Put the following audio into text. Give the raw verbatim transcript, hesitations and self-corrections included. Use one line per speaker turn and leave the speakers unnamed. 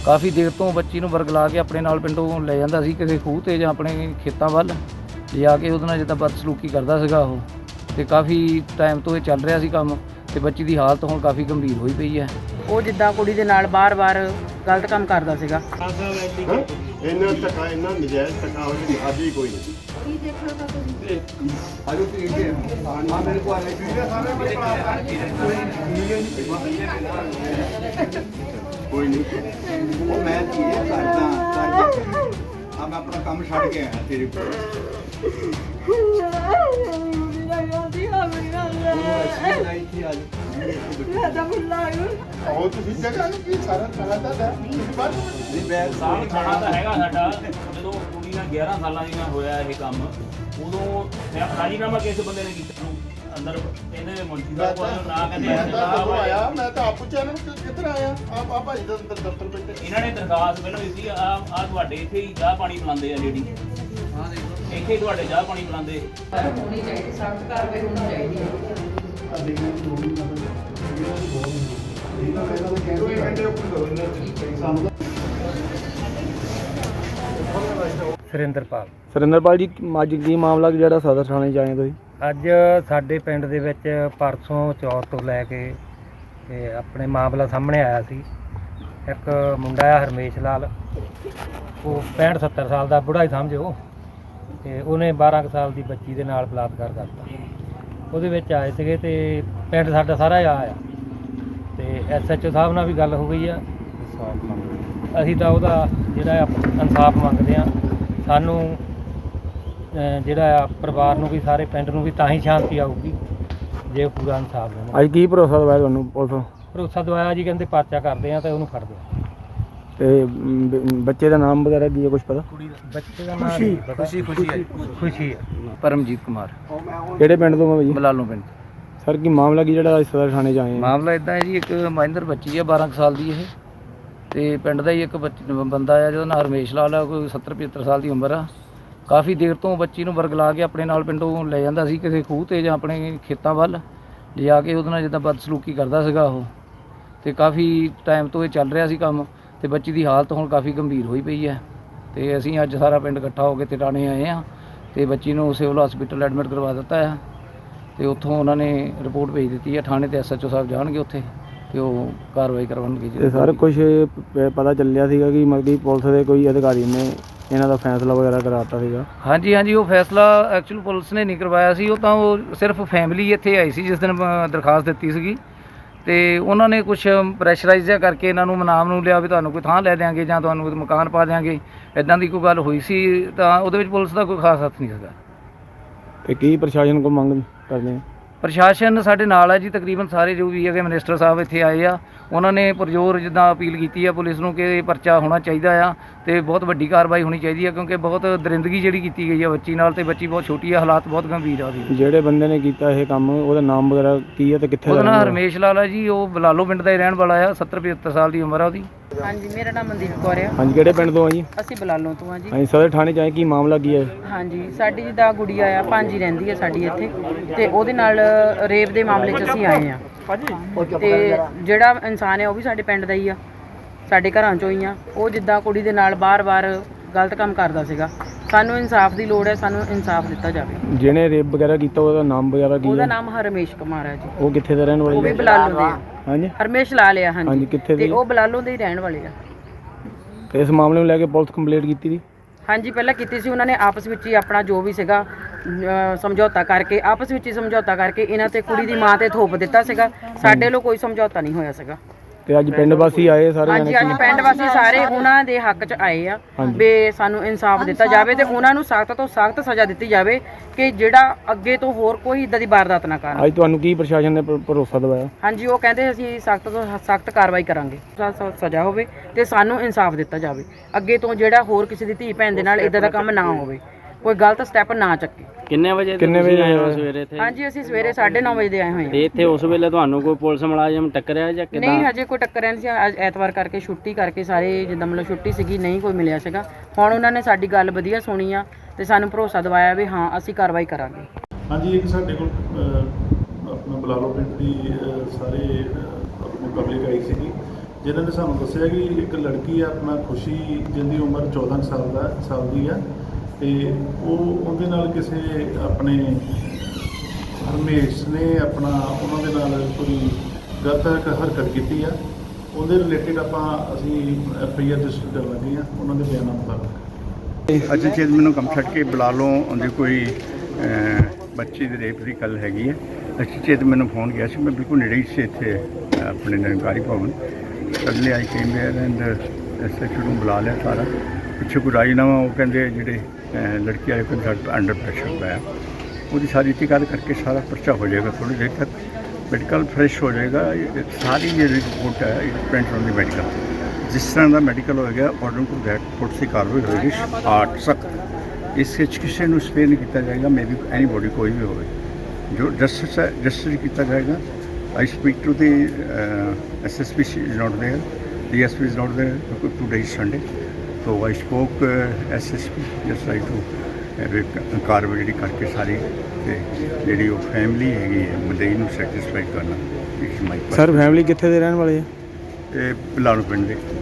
ਕਾਫੀ ਦੇਰ ਤੋਂ ਬੱਚੀ ਨੂੰ ਵਰਗਲਾ ਕੇ ਆਪਣੇ ਨਾਲ ਪਿੰਡੋਂ ਲੈ ਜਾਂਦਾ ਸੀ ਕਿਸੇ ਖੂਹ 'ਤੇ ਜਾਂ ਆਪਣੇ ਖੇਤਾਂ ਵੱਲ ਲਿਜਾ ਕੇ ਉਹਦੇ ਨਾਲ ਜਿੱਦਾਂ ਬਦਸਲੂਕੀ ਕਰਦਾ ਸੀਗਾ ਉਹ। ਅਤੇ ਕਾਫੀ ਟਾਈਮ ਤੋਂ ਇਹ ਚੱਲ ਰਿਹਾ ਸੀ ਕੰਮ ਅਤੇ ਬੱਚੀ ਦੀ ਹਾਲਤ ਹੁਣ ਕਾਫੀ ਗੰਭੀਰ ਹੋਈ ਪਈ ਹੈ।
ਉਹ ਜਿੱਦਾਂ ਕੁੜੀ ਦੇ ਨਾਲ ਬਾਰ-ਬਾਰ ਗਲਤ ਕੰਮ ਕਰਦਾ ਸੀਗਾ।
ਇਹਨਾਂ ਧੱਕਾ ਇਹਨਾਂ ਨਜਾਇਜ਼ ਧੱਕਾ ਹੋਈ ਅੱਜ ਹੀ ਕੋਈ ਨਹੀਂ। ਕੀ ਦੇਖਣਾ ਤਾਂ ਤੁਸੀਂ ਆਲੂ ਪੀੜ ਕੇ ਆ ਮੇਰੇ ਕੋਲ ਆਲੇ ਪੀੜ ਸਾਰੇ ਕੋਈ ਨਹੀਂ ਉਹ ਮੈਂ ਕੀ ਕਰਦਾ ਕਰਦਾ ਆ ਮੈਂ ਆਪਣਾ ਕੰਮ ਛੱਡ ਕੇ ਆਇਆ ਤੇਰੇ ਕੋਲ। ਉਹ ਤੁਸੀਂ ਜਗ੍ਹਾ ਨੂੰ ਕੀ ਸਾਰਾ ਸਾਰਾ ਦਾ ਨਹੀਂ ਬੈਗ
ਸਾਲ ਖਾਣਾ ਤਾਂ ਹੈਗਾ ਸਾਡਾ। ਜਦੋਂ ਕੁੜੀ ਨਾਲ ਗਿਆਰਾਂ ਸਾਲਾਂ ਦੀ ਨਾਲ ਹੋਇਆ ਇਹ ਕੰਮ ਉਦੋਂ ਰਾਜੀਨਾਮਾ ਕਿਸੇ ਬੰਦੇ ਨੇ ਕੀਤਾ ਅੰਦਰ ਇਹਨੇ ਮੁੰਡੀ ਦਾ ਕੋਲ ਨਾ ਕਹਿੰਦੇ
ਆਇਆ। ਮੈਂ ਤਾਂ ਆਪ ਪੁੱਛਿਆ ਇਹਨਾਂ ਨੂੰ ਕਿੱਧਰ ਆਇਆ ਆਪ ਆ ਭਾਈ ਦਾ ਅੰਦਰ ਦਫ਼ਤਰ ਬੈਠੇ।
ਇਹਨਾਂ ਨੇ ਦਰਖਾਸਤ ਪਹਿਲਾਂ ਦਿੱਤੀ ਆ ਆ ਤੁਹਾਡੇ ਇੱਥੇ ਹੀ ਚਾਹ ਪਾਣੀ ਪਿਲਾਉਂਦੇ ਆ ਲੇਡੀ। ਹਾਂ ਦੇਖੋ ਇੱਥੇ ਹੀ ਤੁਹਾਡੇ ਚਾਹ ਪਾਣੀ ਪਿਲਾਉਂਦੇ।
ਹੋਣੀ ਚਾਹੀਦੀ, ਸਖਤ ਕਾਰਵਾਈ ਹੋਣੀ ਚਾਹੀਦੀ ਹੈ।
ਸੁਰਿੰਦਰਪਾਲ
ਸੁਰਿੰਦਰਪਾਲ ਜੀ, ਅੱਜ ਕੀ ਮਾਮਲਾ ਜਿਹੜਾ ਸਦਰ ਥਾਣੇ 'ਚ ਆਏ ਤੁਸੀਂ?
ਅੱਜ ਸਾਡੇ ਪਿੰਡ ਦੇ ਵਿੱਚ ਪਰਸੋਂ ਚੌਥ ਤੋਂ ਲੈ ਕੇ ਤੇ ਆਪਣੇ ਮਾਮਲਾ ਸਾਹਮਣੇ ਆਇਆ ਸੀ। ਇੱਕ ਮੁੰਡਾ ਆ ਹਰਮੇਸ਼ ਲਾਲ, ਉਹ ਪੈਂਹਠ ਸੱਤਰ ਸਾਲ ਦਾ ਬੁੜਾ ਹੀ ਸਮਝੋ, ਅਤੇ ਉਹਨੇ ਬਾਰਾਂ ਕੁ ਸਾਲ ਦੀ ਬੱਚੀ ਦੇ ਨਾਲ ਬਲਾਤਕਾਰ ਕਰਤਾ। ਉਹਦੇ ਵਿੱਚ ਆਏ ਸੀਗੇ ਅਤੇ ਪਿੰਡ ਸਾਡਾ ਸਾਰਾ ਆ ਆਇਆ ਅਤੇ ਐਸ ਐਚ ਓ ਸਾਹਿਬ ਨਾਲ ਵੀ ਗੱਲ ਹੋ ਗਈ ਆ। ਇਨਸਾਫ ਮੰਗਦੇ ਅਸੀਂ ਤਾਂ ਉਹਦਾ ਜਿਹੜਾ ਆ ਇਨਸਾਫ ਮੰਗਦੇ ਹਾਂ। ਸਾਨੂੰ ਜਿਹੜਾ ਆ ਪਰਿਵਾਰ ਨੂੰ ਵੀ ਸਾਰੇ ਪਿੰਡ ਨੂੰ ਵੀ ਤਾਂ ਹੀ ਸ਼ਾਂਤੀ ਆਊਗੀ ਜੇ ਪੂਰਾ ਇਨਸਾਫ ਦੇਣਾ।
ਅੱਜ ਕੀ ਭਰੋਸਾ ਦਵਾਇਆ ਤੁਹਾਨੂੰ ਪੁਲਿਸ?
ਭਰੋਸਾ ਦਵਾਇਆ ਜੀ, ਕਹਿੰਦੇ ਪਰਚਾ ਕਰਦੇ ਆ ਤੇ ਉਹਨੂੰ ਫੜਦੇ ਆ।
ਤੇ ਬ- ਬੱਚੇ ਦਾ ਨਾਮ ਵਗੈਰਾ ਕੀ ਹੈ ਕੁਛ ਪਤਾ?
ਬੱਚੇ ਦਾ ਨਾਮ ਖੁਸ਼ੀ ਖੁਸ਼ੀ ਹੈ ਖੁਸ਼ੀ ਹੈ ਪਰਮਜੀਤ ਕੁਮਾਰ।
ਕਿਹੜੇ ਪਿੰਡ ਤੋਂ ਮੈਂ ਜੀ?
ਬਲਾਲੋਂ ਪਿੰਡ।
ਸਰ ਕੀ ਮਾਮਲਾ ਕੀ ਜਿਹੜਾ ਅੱਜ ਸਦਰ ਥਾਣੇ 'ਚ ਆਏ ਆ?
ਮਾਮਲਾ ਇਦਾਂ ਹੈ ਜੀ, ਇੱਕ ਮਹਿੰਦਰ ਬੱਚੀ ਹੈ ਬਾਰਾਂ ਕੁ ਸਾਲ ਦੀ ਇਹ, ਅਤੇ ਪਿੰਡ ਦਾ ਹੀ ਇੱਕ ਬੱਚ ਬੰਦਾ ਆ ਜਿਹਦਾ ਨਾਂ ਹਰਮੇਸ਼ ਲਾਲ ਆ, ਕੋਈ ਸੱਤਰ ਪਝੱਤਰ ਸਾਲ ਦੀ ਉਮਰ ਆ। ਕਾਫੀ ਦੇਰ ਤੋਂ ਬੱਚੀ ਨੂੰ ਵਰਗਲਾ ਕੇ ਆਪਣੇ ਨਾਲ ਪਿੰਡੋਂ ਲੈ ਜਾਂਦਾ ਸੀ ਕਿਸੇ ਖੂਹ 'ਤੇ ਜਾਂ ਆਪਣੇ ਖੇਤਾਂ ਵੱਲ ਲਿਜਾ ਕੇ ਉਹਦੇ ਨਾਲ ਜਿੱਦਾਂ ਬਦਸਲੂਕੀ ਕਰਦਾ ਸੀਗਾ ਉਹ। ਅਤੇ ਕਾਫੀ ਟਾਈਮ ਤੋਂ ਇਹ ਚੱਲ ਰਿਹਾ ਸੀ ਕੰਮ ਅਤੇ ਬੱਚੀ ਦੀ ਹਾਲਤ ਹੁਣ ਕਾਫੀ ਗੰਭੀਰ ਹੋਈ ਪਈ ਹੈ। ਅਤੇ ਅਸੀਂ ਅੱਜ ਸਾਰਾ ਪਿੰਡ ਇਕੱਠਾ ਹੋ ਕੇ ਟਿਟਾਣੇ ਆਏ ਹਾਂ ਅਤੇ ਬੱਚੀ ਨੂੰ ਸਿਵਲ ਹਸਪੀਟਲ ਐਡਮਿਟ ਕਰਵਾ ਦਿੱਤਾ ਹੈ ਅਤੇ ਉੱਥੋਂ ਉਹਨਾਂ ਨੇ ਰਿਪੋਰਟ ਭੇਜ ਦਿੱਤੀ ਹੈ ਥਾਣੇ 'ਤੇ। ਐਸ ਐਚ ਓ ਸਾਹਿਬ ਜਾਣਗੇ ਉੱਥੇ ਅਤੇ ਉਹ ਕਾਰਵਾਈ ਕਰਵਾਉਣਗੇ।
ਤੇ ਸਰ ਕੁਛ ਪ- ਪਤਾ ਚੱਲਿਆ ਸੀਗਾ ਕਿ ਮਤਲਬ ਕਿ ਪੁਲਿਸ ਦੇ ਕੋਈ ਅਧਿਕਾਰੀ ਨੇ ਇਹਨਾਂ ਦਾ ਫੈਸਲਾ ਵਗੈਰਾ ਕਰਾਤਾ ਸੀਗਾ?
ਹਾਂਜੀ ਹਾਂਜੀ, ਉਹ ਫੈਸਲਾ ਐਕਚੁਅਲ ਪੁਲਿਸ ਨੇ ਨਹੀਂ ਕਰਵਾਇਆ ਸੀ। ਉਹ ਤਾਂ ਉਹ ਸਿਰਫ ਫੈਮਿਲੀ ਇੱਥੇ ਆਈ ਸੀ ਜਿਸ ਦਿਨ ਅ, ਦਰਖਾਸਤ ਦਿੱਤੀ ਸੀਗੀ, ਅਤੇ ਉਹਨਾਂ ਨੇ ਕੁਛ ਪ੍ਰੈਸ਼ਰਾਈਜ਼ ਜਿਹਾ ਕਰਕੇ ਇਹਨਾਂ ਨੂੰ ਮਨਾਮ ਨੂੰ ਲਿਆ ਵੀ ਤੁਹਾਨੂੰ ਕੋਈ ਥਾਂ ਲੈ ਦਿਆਂਗੇ ਜਾਂ ਤੁਹਾਨੂੰ ਕੋਈ ਮਕਾਨ ਪਾ ਦਿਆਂਗੇ, ਇੱਦਾਂ ਦੀ ਕੋਈ ਗੱਲ ਹੋਈ ਸੀ। ਤਾਂ ਉਹਦੇ ਵਿੱਚ ਪੁਲਿਸ ਦਾ ਕੋਈ ਖਾਸ ਹੱਥ ਨਹੀਂ ਸੀਗਾ।
ਤੇ ਕੀ ਪ੍ਰਸ਼ਾਸਨ ਕੋਲ ਮੰਗ ਕਰਦੇ ਆ?
ਪ੍ਰਸ਼ਾਸਨ ਸਾਡੇ ਨਾਲ ਹੈ ਜੀ, ਤਕਰੀਬਨ ਸਾਰੇ ਜੋ ਵੀ ਹੈਗੇ ਮਿਨਿਸਟਰ ਸਾਹਿਬ ਇੱਥੇ ਆਏ ਆ। ਉਹਨਾਂ ਨੇ ਪੁਰਜ਼ੋਰ ਜਿੱਦਾਂ ਅਪੀਲ ਕੀਤੀ ਆ ਪੁਲਿਸ ਨੂੰ ਕਿ ਇਹ ਪਰਚਾ ਹੋਣਾ ਚਾਹੀਦਾ ਆ ਅਤੇ ਬਹੁਤ ਵੱਡੀ ਕਾਰਵਾਈ ਹੋਣੀ ਚਾਹੀਦੀ ਹੈ, ਕਿਉਂਕਿ ਬਹੁਤ ਦਰਿੰਦਗੀ ਜਿਹੜੀ ਕੀਤੀ ਗਈ ਆ ਬੱਚੀ ਨਾਲ, ਅਤੇ ਬੱਚੀ ਬਹੁਤ ਛੋਟੀ ਆ, ਹਾਲਾਤ ਬਹੁਤ ਗੰਭੀਰ ਆ ਉਹਦੀ।
ਜਿਹੜੇ ਬੰਦੇ ਨੇ ਕੀਤਾ ਇਹ ਕੰਮ ਉਹਦਾ ਨਾਮ ਵਗੈਰਾ ਕੀ ਹੈ ਤੇ ਕਿੱਥੇ
ਉਹਦਾ
ਦਾ?
ਨਾਮ ਹਰਮੇਸ਼ ਲਾਲ ਆ ਜੀ, ਉਹ ਬਲਾਲੋ ਪਿੰਡ ਦਾ ਹੀ ਰਹਿਣ ਵਾਲਾ ਆ। ਸੱਤਰ ਪਝੱਤਰ ਸਾਲ ਦੀ ਉਮਰ ਆ ਉਹਦੀ।
ਹਾਂਜੀ, ਮੇਰਾ ਨਾਮ ਮਨਦੀਪ ਕੌਰ ਆ।
ਹਾਂਜੀ, ਕਿਹੜੇ ਪਿੰਡ ਤੋਂ ਆ ਜੀ?
ਅਸੀਂ ਬਲਾਲੋਂ ਤੋਂ ਆ ਜੀ।
ਹਾਂਜੀ, ਸਦਰ ਥਾਣੇ 'ਚ ਆਏ, ਕੀ ਮਾਮਲਾ ਕੀ ਹੈ?
ਹਾਂਜੀ, ਸਾਡੀ ਜਿੱਦਾਂ ਗੁੜੀਆ ਆ ਭਾਂਜੀ ਰਹਿੰਦੀ ਹੈ ਸਾਡੀ ਇੱਥੇ, ਅਤੇ ਉਹਦੇ ਨਾਲ ਰੇਪ ਦੇ ਮਾਮਲੇ 'ਚ ਅਸੀਂ ਆਏ ਹਾਂ। ਅਤੇ ਜਿਹੜਾ ਇਨਸਾਨ ਹੈ ਉਹ ਵੀ ਸਾਡੇ ਪਿੰਡ ਦਾ ਹੀ ਆ, ਸਾਡੇ ਘਰਾਂ 'ਚੋਂ ਹੀ ਆ। ਉਹ ਜਿੱਦਾਂ ਕੁੜੀ ਦੇ ਨਾਲ ਬਾਰ-ਬਾਰ ਗਲਤ ਕੰਮ ਕਰਦਾ ਸੀਗਾ। ਸਾਨੂੰ ਇਨਸਾਫ ਦੀ ਲੋੜ ਹੈ, ਸਾਨੂੰ ਇਨਸਾਫ ਦਿੱਤਾ ਜਾਵੇ।
ਜਿਹਨੇ ਰੇਪ ਵਗੈਰਾ ਕੀਤਾ ਉਹਦਾ ਨਾਮ ਵਗੈਰਾ ਕੀ
ਉਹਦਾ
ਹੈ?
ਨਾਮ ਹਰਮੇਸ਼ ਕੁਮਾਰ ਹੈ ਜੀ।
ਉਹ ਕਿੱਥੇ ਦਾ ਰਹਿਣ
ਉਹ ਵੀ
ਵਾਲਾ?
ਬਲਾਲੋਂ ਦੇ ਆ।
ਹਾਂਜੀ,
ਹਰਮੇਸ਼ ਲਾਲ ਆ।
ਹਾਂਜੀ,
ਹਾਂਜੀ,
ਕਿੱਥੇ
ਤੇ
ਦੇ?
ਉਹ ਬਲਾਲੋਂ ਦੇ ਹੀ ਰਹਿਣ ਵਾਲੇ ਆ।
ਤੇ ਇਸ ਮਾਮਲੇ ਨੂੰ ਲੈ ਕੇ ਪੁਲਿਸ ਕੰਪਲੇਂਟ ਕੀਤੀ ਸੀ?
ਹਾਂਜੀ, ਪਹਿਲਾਂ ਕੀਤੀ ਸੀ। ਉਹਨਾਂ ਨੇ ਆਪਸ ਵਿੱਚ ਹੀ ਆਪਣਾ ਜੋ ਵੀ ਸੀਗਾ ਅ, ਸਮਝੌਤਾ ਕਰਕੇ ਆਪਸ ਵਿੱਚ ਹੀ ਸਮਝੌਤਾ ਕਰਕੇ ਇਹਨਾਂ ਤੇ ਕੁੜੀ ਦੀ ਮਾਂ ਤੇ ਥੋਪ ਦਿੱਤਾ ਸੀਗਾ। ਸਾਡੇ ਵੱਲੋਂ ਕੋਈ ਸਮਝੌਤਾ ਨਹੀਂ ਹੋਇਆ ਸੀਗਾ।
ਤੇ ਅੱਜ ਪਿੰਡ ਵਾਸੀ ਆਏ ਸਾਰੇ
ਹਾਂਜੀ,
ਜਾਣੇ?
ਅੱਜ ਪਿੰਡ ਵਾਸੀ ਸਾਰੇ ਉਹਨਾਂ ਦੇ ਹੱਕ 'ਚ ਆਏ ਆ ਵੀ ਸਾਨੂੰ ਇਨਸਾਫ ਦਿੱਤਾ ਜਾਵੇ ਤੇ ਉਹਨਾਂ ਨੂੰ ਸਖਤ ਤੋਂ ਸਖਤ ਸਜ਼ਾ ਦਿੱਤੀ ਜਾਵੇ ਕਿ ਜਿਹੜਾ ਅੱਗੇ ਤੋਂ ਹੋਰ ਕੋਈ ਇਦਾਂ ਦੀ ਵਾਰਦਾਤ ਨਾ ਕਰਨ।
ਅੱਜ ਤੁਹਾਨੂੰ ਕੀ ਪ੍ਰਸ਼ਾਸਨ ਨੇ ਭ- ਭਰੋਸਾ ਦਿਵਾਇਆ?
ਹਾਂਜੀ, ਉਹ ਕਹਿੰਦੇ ਅਸੀਂ ਸਖਤ ਤੋਂ ਸਖਤ ਕਾਰਵਾਈ ਕਰਾਂਗੇ, ਸ- ਸ- ਸਜ਼ਾ ਹੋਵੇ ਤੇ ਸਾਨੂੰ ਇਨਸਾਫ ਦਿੱਤਾ ਜਾਵੇ। ਅੱਗੇ ਤੋਂ ਜਿਹੜਾ ਹੋਰ ਕਿਸੇ ਦੀ ਧੀ ਭੈਣ ਦੇ ਨਾਲ ਇਦਾਂ ਦਾ ਕੰਮ ਨਾ ਹੋਵੇ, ਕੋਈ ਗਲਤ ਸਟੈਪ ਨਾ ਚੱਕੇ।
ਕਿੰਨੇ ਵਜੇ
ਕਿੰਨੇ ਵਜੇ ਆਏ ਹੋ
ਸਵੇਰੇ ਇੱਥੇ?
ਹਾਂਜੀ, ਅਸੀਂ ਸਵੇਰੇ ਸਾਢੇ ਨੌ ਵਜੇ ਦੇ ਆਏ ਹੋਏ ਹਾਂ।
ਤੇ ਇੱਥੇ ਉਸ ਵੇਲੇ ਤੁਹਾਨੂੰ ਕੋਈ ਪੁਲਿਸ ਮੁਲਾਜ਼ਮ ਟੱਕਰਿਆ ਜਾਂ ਕਿੱਦਾਂ?
ਨਹੀਂ, ਹਜੇ ਕੋਈ ਟੱਕਰਿਆ ਨਹੀਂ ਸੀ। ਅੱਜ ਐਤਵਾਰ ਕਰਕੇ ਛੁੱਟੀ ਕਰਕੇ ਸਾਰੇ ਜਿੱਦਾਂ ਮਤਲਬ ਛੁੱਟੀ ਸੀਗੀ, ਨਹੀਂ ਕੋਈ ਮਿਲਿਆ ਸੀਗਾ। ਹੁਣ ਉਹਨਾਂ ਨੇ ਸਾਡੀ ਗੱਲ ਵਧੀਆ ਸੁਣੀ ਆ ਤੇ ਸਾਨੂੰ ਭਰੋਸਾ ਦਿਵਾਇਆ ਵੀ ਹਾਂ ਅਸੀਂ ਕਾਰਵਾਈ ਕਰਾਂਗੇ।
ਹਾਂਜੀ, ਇੱਕ ਸਾਡੇ ਕੋਲ ਅ, ਆਪਣਾ ਬਲਾਲੋ ਪਿੰਡ ਦੀ ਅ, ਸਾਰੇ ਅ, ਆਪਣੀ ਪਬਲਿਕ ਆਈ ਸੀਗੀ ਜਿਨ੍ਹਾਂ ਨੇ ਸਾਨੂੰ ਦੱਸਿਆ ਕਿ ਇੱਕ ਲੜਕੀ ਆ ਆਪਣਾ ਖੁਸ਼ੀ ਜਿਹਦੀ ਉਮਰ ਚੌਦਾਂ ਕੁ ਸਾਲ ਦਾ ਸਾਲ ਦੀ ਆ ਤੇ ਉਹ ਉਹਦੇ ਨਾਲ ਕਿਸੇ ਆਪਣੇ ਹਰਮੇਸ਼ ਨੇ ਆਪਣਾ ਉਹਨਾਂ ਦੇ ਨਾਲ ਕੋਈ ਗਲਤ ਹਰਕ- ਹਰਕਤ ਕੀਤੀ ਆ। ਉਹਦੇ ਰਿਲੇਟਿਡ ਆਪਾਂ ਅਸੀਂ ਐਫ ਆਈ ਆਰ ਰਜਿਸਟਰ ਕਰ ਲੱਗੇ ਆ ਉਹਨਾਂ ਦੇ ਬਿਆਨਾਂ ਮੁਤਾਬਕ।
ਅੱਜ ਚੇਤ ਮੈਨੂੰ ਕੰਮ ਛੱਡ ਕੇ ਬੁਲਾ ਲਓ ਉਹਦੀ ਕੋਈ ਅਹ, ਬੱਚੀ ਦੇ ਰੇਪ ਦੀ ਗੱਲ ਹੈਗੀ ਹੈ। ਅੱਛੀ ਚੇਤ ਮੈਨੂੰ ਫੋਨ ਗਿਆ ਸੀ, ਮੈਂ ਬਿਲਕੁਲ ਨੇੜੇ ਹੀ ਸੀ ਇੱਥੇ ਅਹ, ਆਪਣੇ Nirankari Bhawan. Suddenly I came where and S H O ਨੂੰ ਬੁਲਾ ਲਿਆ ਸਾਰਾ। ਪਿੱਛੇ ਕੋਈ ਰਾਜੀਨਾਮਾ ਉਹ ਕਹਿੰਦੇ ਜਿਹੜੇ ਅਹ, ਲੜਕੀ ਵਾਲੇ ਕੋਲ ਸਾਡੇ ਅੰਡਰ ਪ੍ਰੈਸ਼ਰ ਪਿਆ, ਉਹਦੀ ਸਾਰੀ ਤਹਿਕੀਕਾਤ ਕਰਕੇ ਸਾਰਾ ਪਰਚਾ ਹੋ ਜਾਏਗਾ। ਥੋੜ੍ਹੀ ਦੇਰ ਤੱਕ ਮੈਡੀਕਲ ਫਰੈਸ਼ ਹੋ ਜਾਏਗਾ। ਇਹ ਸਾਰੀ ਜਿਹੜੀ ਰਿਪੋਰਟ ਹੈ it depends on the medical. ਜਿਸ ਤਰ੍ਹਾਂ ਦਾ ਮੈਡੀਕਲ ਹੋਏਗਾ ਅਕੋਰਡਿੰਗ ਟੂ ਦੈਟ ਪੁਲਿਸ ਦੀ ਕਾਰਵਾਈ ਹੋਏਗੀ ਆਠ ਸਖਤ। ਇਸ ਵਿੱਚ ਕਿਸੇ ਨੂੰ ਸਪੇਅਰ ਨਹੀਂ ਕੀਤਾ ਜਾਏਗਾ। ਮੇ ਬੀ ਐਨੀਬੋਡੀ ਕੋਈ ਵੀ ਹੋਵੇ ਜੋ ਜਸਟਿਸ ਹੈ ਜਸਟਿਸ ਕੀਤਾ ਜਾਏਗਾ। I speak to the S S P is not there, D S P is not there, today is Sunday. So I spoke S S P just like to ਕਾਰਵਾਈ ਜਿਹੜੀ ਕਰਕੇ ਸਾਰੀ ਤੇ ਜਿਹੜੀ ਉਹ ਫੈਮਿਲੀ ਹੈਗੀ ਹੈ ਮਦਈ ਨੂੰ ਸੈਟਿਸਫਾਈ ਕਰਨਾ। ਇਟਸ ਮਾਈ
ਸਰ ਫੈਮਿਲੀ ਕਿੱਥੇ ਦੇ ਰਹਿਣ ਵਾਲੇ ਆ?
ਇਹ ਪਿਲਾਣੂ ਪਿੰਡ ਦੇ